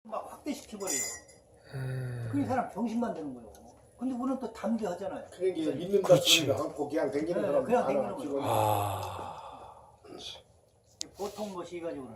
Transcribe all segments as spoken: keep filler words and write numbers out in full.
막 확대시켜버려요. 음. 그 사람 병신만 되는 거예요. 근데 우리는 또 담대하잖아요. 그러니까 믿는다 그렇지. 소리를 않고 그냥 댕기는 네, 사람 그냥 많아, 댕기는 지금. 아. 보통 것이 가지고는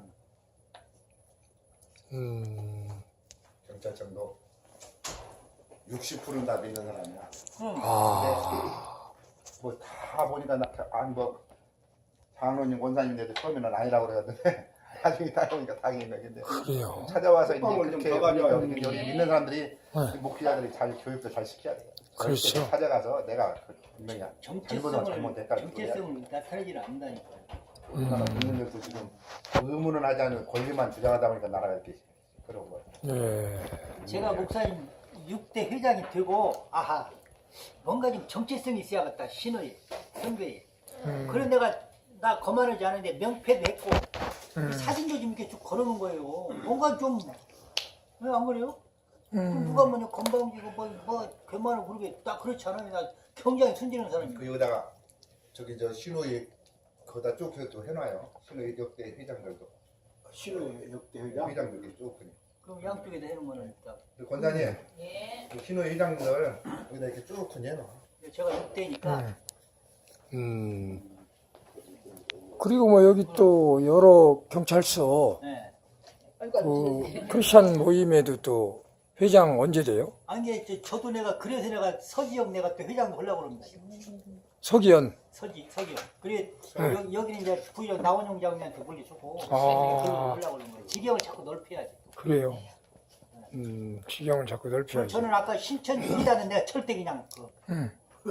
음. 경찰청도 육십 퍼센트는 다 믿는 사람이야. 응. 아. 뭐 다 보니까 나 아니 뭐 장로님 권사님인데도 처음에는 아니라고 그러던데 나중에 다 보니까 당연히 근데 그래요. 찾아와서 이제 뚜껑을 좀 그렇게 더 가져와야 우리 되는데. 우리 믿는 사람들이 네. 목회자들이 잘 교육도 잘 시켜야 돼요. 그렇죠. 찾아가서 내가 그 분명히 잘못은 정체성을 잘못했다. 정체성을 나타내질 않는다니까요. 우리나라 국민들도 지금 의문은 하지 않으면 권리만 주장하다 보니까 나라가 이렇게 그런 거예요. 네. 제가 목사님 육 대 회장이 되고 아하 뭔가 좀 정체성이 있어야겠다. 신의 선교에. 음. 그래 내가 나 거만하지 않은데 명패도 했고 음. 사진도 좀 이렇게 쭉 걸어놓은 거예요. 뭔가 좀 왜 안 그래요? 음. 누가 뭐냐 건방지고 뭐뭐 괴만을 부르게 딱 그렇지 않아요. 나 굉장히 순진한 사람이에요. 그 여기다가 저기 저 신호위 거기다 쭉 또 해놔요. 신호위 역대 회장들도 신의 역대 회장. 회장들이 쭉 그냥. 그럼 양쪽에다 해놓은 거는 딱. 그 권사님, 그 신호 회장들 여기다 이렇게 쭉 해놔. 제가 육 대니까 음. 음. 그리고 뭐 여기 또 여러 경찰서 네. 그 크리스찬 모임에도 또 회장 언제 돼요? 아니 저, 저도 내가 그래서 내가 서지역 내가 또 회장도 하려고 그럽니다. 서기현. 서지 서지역. 그래 네. 여기, 여기는 이제 부의장 나원용 장님한테 물려주고 아. 하려고 그러는 거예요. 지경을 자꾸 넓혀야지. 그래요. 음, 지경을 자꾸 넓혀야지. 저는 아까 신천 이다는 내가 절대 그냥 그 음.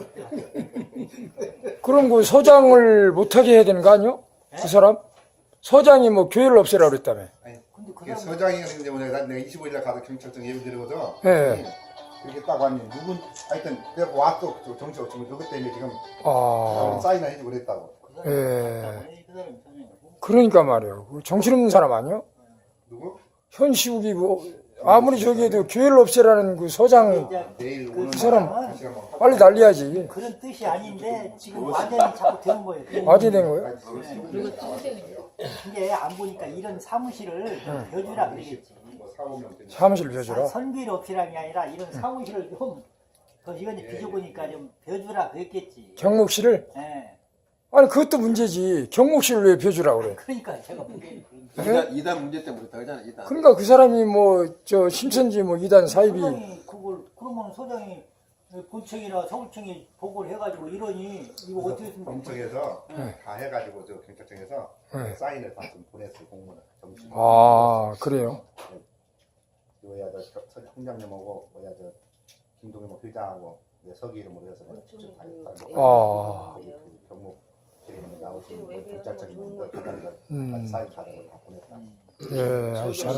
그럼 그 서장을 못하게 해야 되는 거 아니요? 그 사람? 서장이 뭐 교회를 없애라 그랬다며. 아니, 근데 그 그 사람 서장이 그런데 오늘 난 내가 이십오 일날 가서 경찰청 예비 드리거든. 예. 이렇게 딱 왔니 누군 하여튼 그래서 왔어 저 정치가 지금 누구 때문에 지금 아, 사인을 해주고 그랬다고. 그 사람 예. 그 사람이 선생님이고. 그러니까 말이에요. 그 정신없는 사람 아니요? 누구? 현시국이 뭐, 아무리 저기 해도 교회를 없애라는 그 서장 이제 내일 그 오는 사람 날 시간 뭐 빨리 날려야지. 그런 뜻이 아닌데 지금 완전히 자꾸 되는 거예요. 어디 된 거예요? 근데 안 보니까 이런 사무실을 좀 벼주라 그러겠지. 뭐 사오면 되니까. 사무실 벼주라. 선비를 없애라는 게 아니라 이런 사무실을 좀, 그 이건 이제 비춰보니까 좀 벼주라 그랬겠지. 경목실을? 예. 아니, 그것도 문제지. 경목실을 왜 벼주라 그래? 그러니까 제가 보기에는 그런 이단, 이단 문제 때문에 그렇다고 하잖아, 이단. 그러니까 그 사람이 뭐, 저, 심천지 뭐, 이단 사입이. 소장이 그걸, 그러면 소장이 본청이나 서울청이 보고를 해가지고 이러니, 이거 어떻게 했으면 경청에서 네. 다 해가지고 저 경찰청에서 네. 사인을 다 좀 보냈어요 공문을. 정식. 아, 그래요? 뭐야 저 서- 서- 총장님하고 뭐야 저 김동현 뭐 회장하고 내 서기 이름으로 해서 내가 직접 다 했다. 아. 거기 그 경무실에 있는 나오신 그 경찰청에 있는 그 사람들 음. 사인 받은 거다 보냈다. 예, 아주 잘.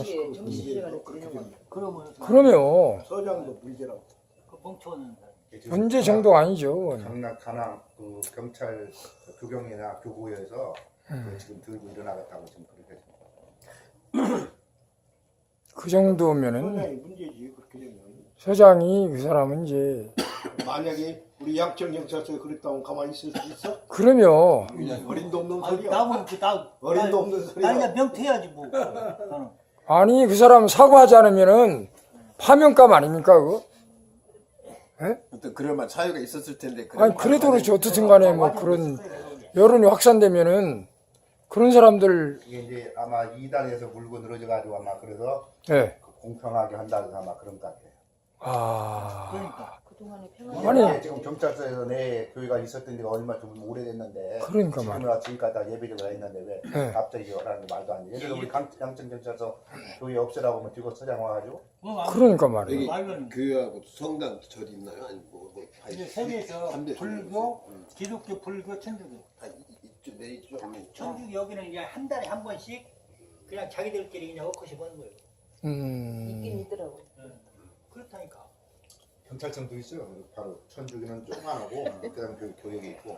그러면 그러면, 서장도 문제라고. 그 멍청한 사람. 문제 정도 아니죠. 강남 가남 그 경찰 교경이나 교구에서 음. 그 지금 들고 일어나겠다고 지금 그렇게 해서. 그 정도면은, 서장이 문제지 그렇게 되면. 서장이 그 사람은 이제, 만약에 우리 양천 경찰서에 그랬다면 가만히 있을 수 있어? 그러면, 어림도 없는 아니, 소리야. 나는 그, 나, 어림도 없는 나 소리야. 이제 명퇴해야지 뭐. 나는. 아니, 그 사람 사과하지 않으면은, 파면감 아닙니까, 그거? 어떤 그럴 만 사유가 있었을 텐데. 아니, 그래도 그렇지. 어떻든 간에 뭐 그런 여론이 확산되면은, 그런 사람들, 이게 이제 아마 이단에서 물고 늘어져 가지고 아마 그래서 예. 그 공평하게 한다 해서 아마 그런 것 같아요. 아. 그러니까. 그동안의 아니. 평화. 지금 경찰서에서 내 교회가 있었던 지가 얼마 좀 오래됐는데 그러니까 지금은 지금까지 다 예배적으로 했는데 왜 네. 갑자기 하라는 게 말도 안 돼. 예를 들어 우리 강- 양천 경찰서 교회 없애라고 하면 뒤고 서장 와가지고 그러니까 말이에요. 여기 말로는. 교회하고 성당 절이 있나요? 아니 뭐, 뭐 이제 세계에서 삼대 불교, 음. 기독교, 불교, 천주교. 아, 이- 이쪽 내 이쪽 천주교 여기는 이제 한 달에 한 번씩 그냥 자기들끼리 그냥 헛것이 버는 거예요. 있긴 음. 있더라고. 그렇다니까. 경찰청도 있어요. 바로 천주교는 조그만하고 그다음 그 교역이 있고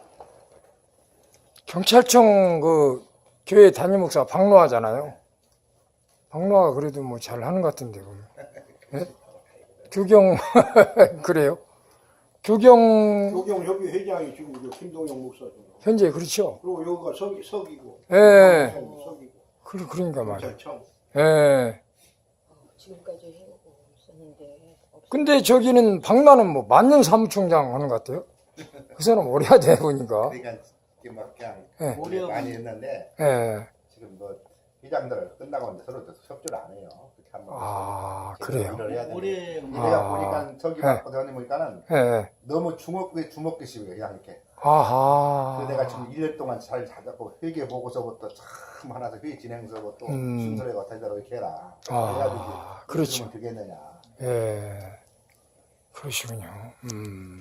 경찰청 그 교회 담임 목사 박노하잖아요. 박노하가 그래도 뭐 잘 하는 것 같은데, 그러면. 예? 교경, 그래요? 교경, 교경협의 회장이 지금 저 김동영 목사죠. 현재 그렇죠? 그리고 여기가 서기, 서기고. 예. 서기고. 그, 그러니까 말이에요. 경찰청. 예. 지금까지 해오고 있었는데 없- 근데 저기는 박나는 뭐 만년 사무총장 하는 것 같아요. 그 사람 오래 하대 보니까. 그러니까 이게 막 그냥 예. 오래 많이 했는데 예. 지금 뭐 회장들 끝나고 이제 서로 협조를 안 해요. 그렇게 한번 아, 그래요? 일을 해야 되는데 올해 내가 아. 보니까 저기 네. 어디 보니까는 예. 너무 주먹 주먹기식이에요. 그냥 이렇게. 아하. 그래서 내가 지금 일 년 동안 잘 잡고 회계 보고서부터 참 하나서 회의 진행서부터 음. 순서래가 달달하게 이렇게 해라. 아, 해야지 그렇죠. 그러면 되겠느냐. 예. 그러시군요. 음.